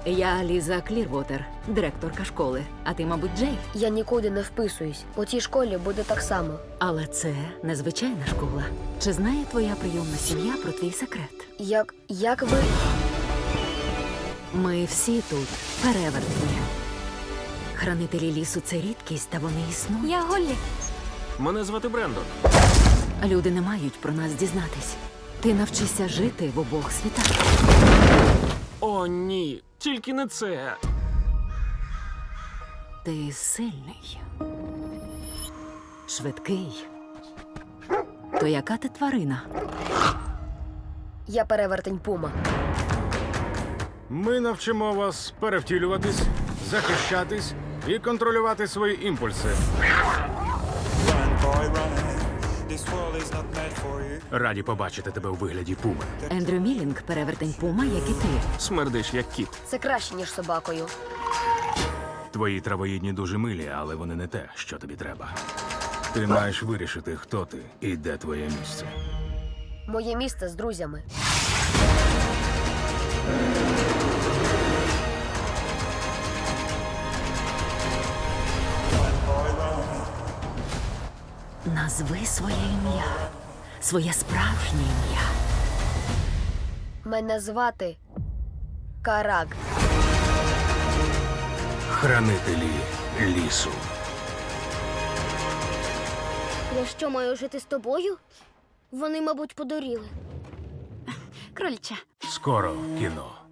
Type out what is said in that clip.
Я Ліза Клірвотер, директорка школи. А ти, мабуть, Джей. Я нікуди не вписуюсь. У тій школі буде так само. Але це незвичайна школа. Чи знає твоя прийомна сім'я про твій секрет? Як ви... Ми всі тут перевертні. Хранителі лісу – це рідкість, та вони існують. Я Голлі. Мене звати Брендон. Люди не мають про нас дізнатись. Ти навчишся жити в обох світах. О, ні, тільки не це. Ти сильний. Швидкий. То яка ти тварина? Я перевертень Пума. Ми навчимо вас перевтілюватись, захищатись і контролювати свої імпульси. Run, boy, run. This world is not meant for you. Раді побачити тебе у вигляді пуми. Ендрю Мілінг – перевертень Пума, як і ти. Смердиш, як кіт. Це краще, ніж собакою. Твої травоїдні дуже милі, але вони не те, що тобі треба. Ти маєш вирішити, хто ти і де твоє місце. Моє місце з друзями. Назви своє ім'я. Своє справжнє ім'я. Мене звати Карак. Хранителі лісу. Я що, маю жити з тобою? Вони, мабуть, подуріли. Крольча. Скоро в кіно.